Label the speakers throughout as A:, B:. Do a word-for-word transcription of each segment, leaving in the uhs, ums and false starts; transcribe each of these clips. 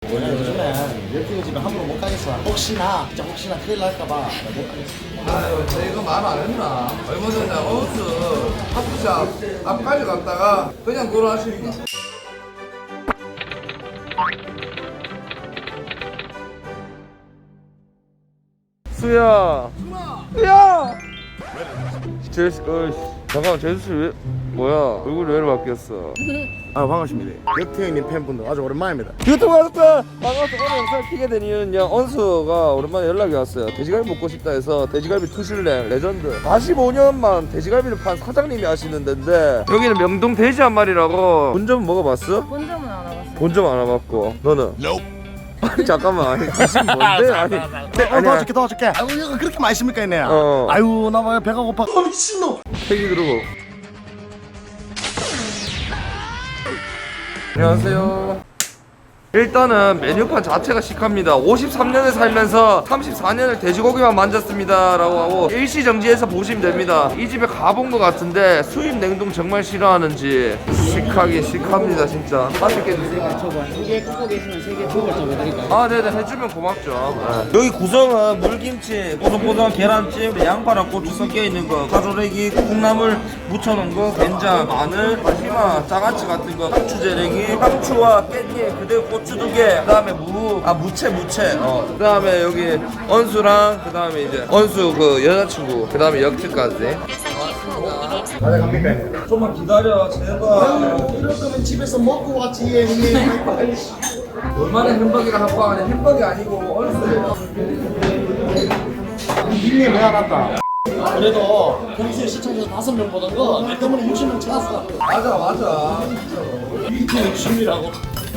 A: 원래 요즘에 열풍 집에 함부로 못 가겠어. 혹시나 진짜 혹시나 큰일 날까봐 못 가겠어.
B: 아유, 저희가 말 안 했나? 얼마 전에 어스 커피숍 앞까지 갔다가 그냥 돌아가십니다.
C: 수야. 수야. 제수, 어이씨. 잠깐만, 제수 씨 왜, 뭐야? 얼굴이 왜 이렇게 바뀌었어?
A: 아 반갑습니다. 역태 형님 팬분들 아주 오랜만입니다.
C: 유튜브 가족들 반갑습니다. 오늘 영상을 키게 된 이유는요, 언수가 오랜만에 연락이 왔어요. 돼지갈비 먹고 싶다 해서 돼지갈비 투슐랭 레전드 사십오 년만 돼지갈비를 판 사장님이 하시는 데인데, 여기는 명동 돼지 한 마리라고. 본점 먹어봤어?
D: 본점은 안 와봤어요.
C: 본점 안 와봤고. 너는? 아니 잠깐만, 아니 무슨 뭔데? 아니
A: 어, 도와줄게 도와줄게. 아유 이거 그렇게 맛있습니까 얘네.
C: 어.
A: 아유 나 왜 배가 고파. 어 미친놈.
C: 회기 들고. 안녕하세요. 일단은 메뉴판 자체가 시크합니다. 오십삼 년을 살면서 삼십사 년을 돼지고기만 만졌습니다 라고 하고 일시정지해서 보시면 됩니다. 이 집에 가본 것 같은데 수입 냉동 정말 싫어하는지 시크하긴 시크합니다 진짜. 맛있게 드세요.
A: 두개 굽고 계시면 세 개 초벌 좀 해드릴까요?
C: 아 네네, 해주면 고맙죠. 네. 여기 구성은 물김치, 뽀송뽀송한 계란찜, 양파랑 고추 섞여있는 거, 가조래기, 콩나물 묻혀놓은 거, 된장, 마늘, 다시마, 장아찌 같은 거, 고추재래기, 상추와 깻잎, 그대로 고추 두 개, 그 다음에 무, 아 무채 무채, 어. 그 다음에 여기 언수랑, 그 다음에 이제 언수 그 여자친구, 그 다음에 역트까지.
A: 가져갑니까 얘네?
C: 좀만 기다려 제발.
A: 이럴 거면 집에서 먹고 왔지 형님.
B: 얼마나 햄버거를 합방 안에 햄버거 아니고 얼스예요.
A: 형님 왜 안 왔다? 그래도 평소에 시청자 다섯 명 보던 거 내 때문에 육십 명 찾았어.
B: 맞아 맞아.
A: 이게 육십이라고.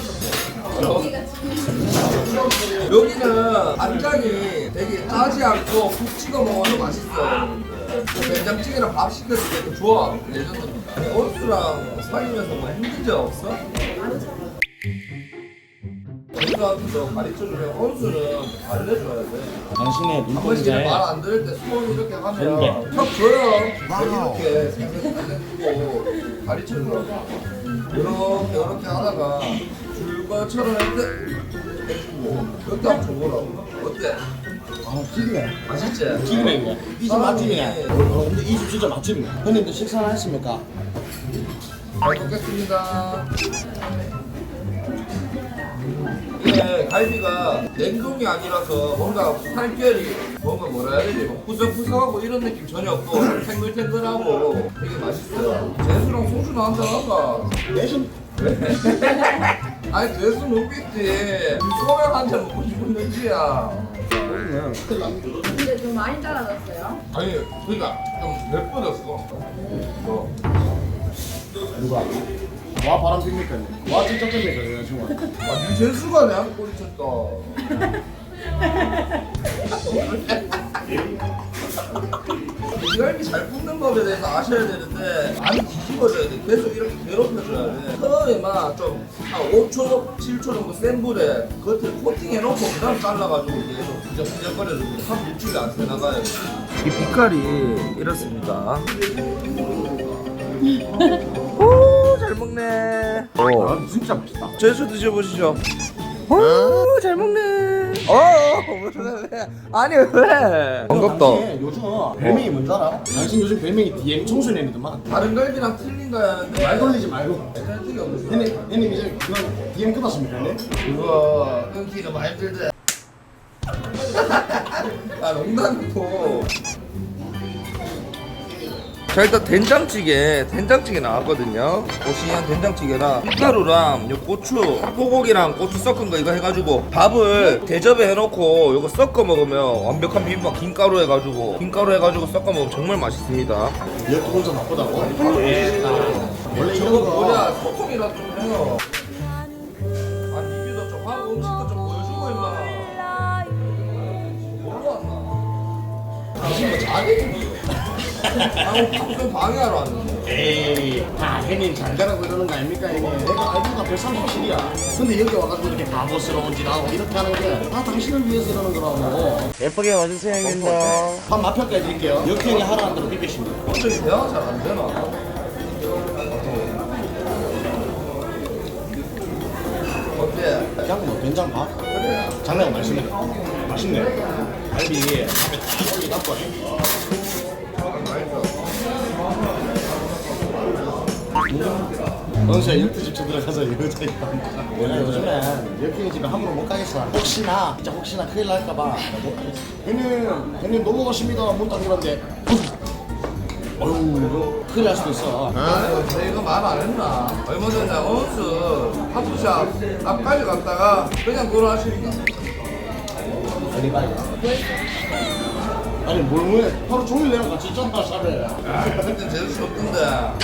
B: 여기는 간장이 되게 짜지 않고 푹 찍어 먹어도 맛있어. 된장찌개랑 밥 시켰을 때도 좋아. 레전드입니다. 아니 얼스랑 사귀면서 뭐 힘든 적 없어? 얼스한테도 가르쳐주면 얼스는 알려줘야 돼.
A: 당신의
B: 한 번씩
A: 눈동자에
B: 말 안 들을 때 수원 이렇게 하면
A: 그런데.
B: 턱 줘요. 이렇게 생각해주고 가르쳐주라고. 이렇게 이렇게 하다가 줄 것처럼 해주고 이렇게 한번 줘보라고. 어때?
A: 아 튀기네.
B: 맛있지?
A: 튀기네 이게. 이집 맛집이네. 어, 근데 이 집 진짜 맛집이네. 형님들 식사를 하십니까?
B: 잘 먹겠습니다. 이게 갈비가 냉동이 아니라서 뭔가 살결이 뭔가 뭐라 해야 되지? 막 푸석푸석하고 이런 느낌 전혀 없고 탱글탱글하고 되게 맛있어요. 재수랑 소주 한잔 할까?
A: 내신
B: 아니 재수 먹겠지. 소맥 한잔 먹고 싶은 눈치야.
D: 근데 좀 많이 따라졌어요.
B: 아니 그러니까 좀 예뻐졌어. 어.
A: 누가? 와 바람 핍니까? 와 진짜 핍니까 여자친구?
B: 아니 재수가 내한테 꼬리쳤다. 돼지갈비 잘 굽는 법에 대해서 아셔야 되는데 많이 뒤집어줘야 돼. 계속 이렇게 괴롭혀줘야 돼. 처음에만 좀 한 오 초, 칠 초 정도 센 불에 겉을 코팅해놓고 그 다음 잘라가지고 계속 부적부적거려주고 한 물줄이 안 새나가요. 이 빛깔이 이렇습니다. 오, 잘 먹네. 오,
A: 아 진짜 맛있다.
B: 제수 드셔보시죠. 오, 잘 먹네. 어, 왜? 아니 왜? 반갑다.
A: 당신 요즘 별명이 뭔지 알아? 당신 요즘 별명이 디엠 청소년이더만.
B: 다른 갈비랑 틀린가 하는데
A: 말 돌리지 말고.
B: 찰떡이 없어.
A: 형님 형님 이제 그건 디엠 끝났습니까 형님?
B: 그거 끊기가 많이 힘들대. 아 농담이고. 자 일단 된장찌개 된장찌개 나왔거든요. 오시한 된장찌개랑 밀가루랑 요 고추 소고기랑 고추 섞은 거 이거 해가지고 밥을 대접에 해놓고 이거 섞어 먹으면 완벽한 비빔밥. 김가루 해가지고 김가루 해가지고 섞어 먹으면 정말 맛있습니다.
A: 이렇게 혼자 나쁘다고? 원래
B: 저거
A: 이런 거
B: 뭐냐 소통이라도 좀 해요. 아니 리뷰도 좀 하고 음식도 좀 보여주고 임마. 뭘로 왔나? 당신 뭐 자기 아우 방송 방해하러 왔는데.
A: 에이 다 형님 잘 되라고 이러는 거 아닙니까 형님? 내가 아이디가 백삼십칠이야. 근데 여기 와가지고 이렇게 바보스러운 짓 하고 이렇게 하는 게 다 당신을 위해서 이러는 거라고.
C: 예쁘게 와주세요 형님들.
A: 한 맛평가 해드릴게요. 역행이 하라는 대로 비비십니다.
B: 갑자기 대화가 잘 안 되나? 어때?
A: 그냥 뭐 된장 밥.
B: 그래.
A: 장난이 맛있네. 맛있네. 갈비 밥에 딱 올리 갖고 원수야 열두 집 들어가서 여자 있다. 내가 요즘에 여기 집에 함부로 못 가겠어. 혹시나 진짜 혹시나 큰일 날까봐 못 가겠어. 형님 형님 넘어가십니다. 문 딱 열었는데 어휴 큰일 날 수도 있어.
B: 아유, 내가 말 안 했나? 얼마 전에 원수 하프샵 앞까지 갔다가 그냥 돌아가시니까.
A: 아니 뭘 뭐해? 하루 종일 내랑 같이 있잖아 샵에.
B: 아, 그때 제수씨 없던데.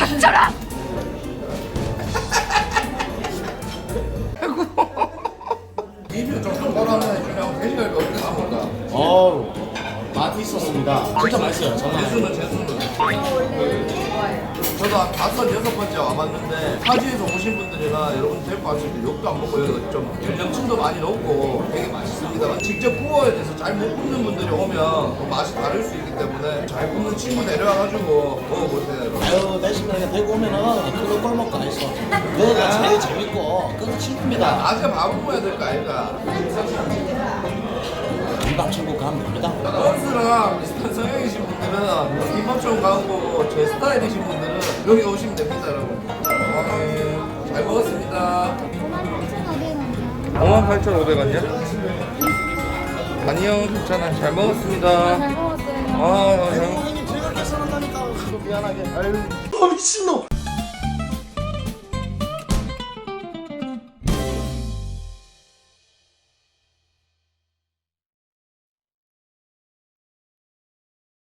B: 입이 좀 똑바로하네. 그냥 돼지갈비 어떻게 나온다.
A: 어우 맛 있었습니다. 진짜 맛있어요. 장난 아니에요.
B: 제수는 제수는. 저도 한 다섯 여섯 번째 와봤는데 타지에서 오신 분들이나 여러분 데리고 왔을 때 욕도 안 먹고 여기가 좀 전념층도 많이 높고 되게 맛있습니다만 직접 구워야 돼서 잘 못 굽는 분들이 오면 또 맛이 다를 수 있기 때문에 잘 굽는 친구 데려와가지고 먹어보세요.
A: 아유 내시면 그냥 대구 오면은 그거 꼴먹고 안 있어. 그거가 제일 재밌고 그거 친구입니다.
B: 낮에 밥을 먹어야 될 거 아닌가?
A: 김밥 천국 가면 됩니다.
B: 원수랑 비슷한 성향이신 분들은 김밥처럼 가는 거고 제 스타일이신 분들은 여기 오시면 됩니다 여러분. 아, 잘 먹었습니다.
C: 오만 팔천오백 원이야? 아니요 괜찮아 잘 먹었습니다.
D: 잘 먹었어요.
C: 아, 잘 먹...
A: 형님 즐겁게 살았다니까. 미안하게. 아유. 어 미친놈.